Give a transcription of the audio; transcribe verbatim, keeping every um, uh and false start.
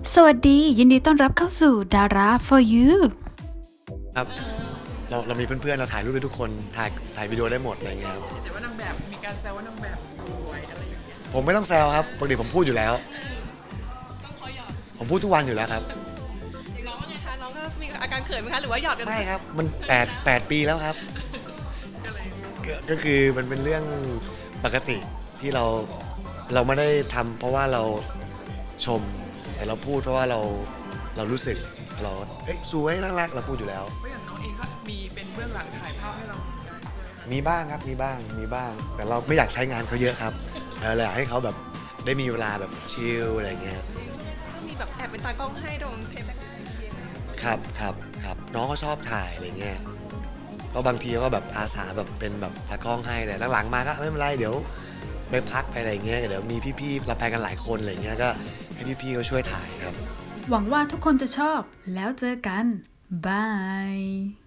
สวัสดียินดีต้อนรับเข้าสู่ดารา for you ครับเราเรามีเพื่อนๆเราถ่ายรูปได้ทุกคนถ่ายถ่ายวิดีโอได้หมดอะไรเงี้ยครับแต่ว่านางแบบมีการแซวว่านางแบบสวยอะไรอย่างเงี้ยผมไม่ต้องแซวครับปกติผมพูดอยู่แล้วผมพูดทุกวันอยู่แล้วครับอย่างน้องว่าไงคะน้องก็มีอาการเขินไหมคะหรือว่าหยอดกันไม่ครับมันแปดแปดปีแล้วครับก็ก็คือมันเป็นเรื่องปกติที่เราเราไม่ได้ทำเพราะว่าเราชมแต่เราพูดเพราะว่าเราเรารู้สึกเราเอ้ยสวยน่ารักเราพูดอยู่แล้วเพราะอย่างน้องเองก็มีเป็นเบื้องหลังถ่ายภาพให้เราเหมือนกันใช่ไหมคะมีบ้างครับมีบ้างมีบ้าง แต่เราไม่อยากใช้งานเขาเยอะครับเออเลยอยากให้เขาแบบได้มีเวลาแบบชิลอะไรเงี้ยมีแบบแอบเป็นตากล้องให้ตรงเทปแรกๆครับครับครับน้องก็ชอบถ่ายอะไรเงี้ยก็บางทีก็แบบอาสาแบบเป็นแบบตากล้องให้แต่หลังๆมาก็ไม่เป็นไรเดี๋ยวไปพักไปอะไรเงี้ยเดี๋ยวมีพี่ๆเราไปกันหลายคนอะไรเงี้ยก็ให้พี่ๆเขาช่วยถ่ายครับหวังว่าทุกคนจะชอบแล้วเจอกันบาย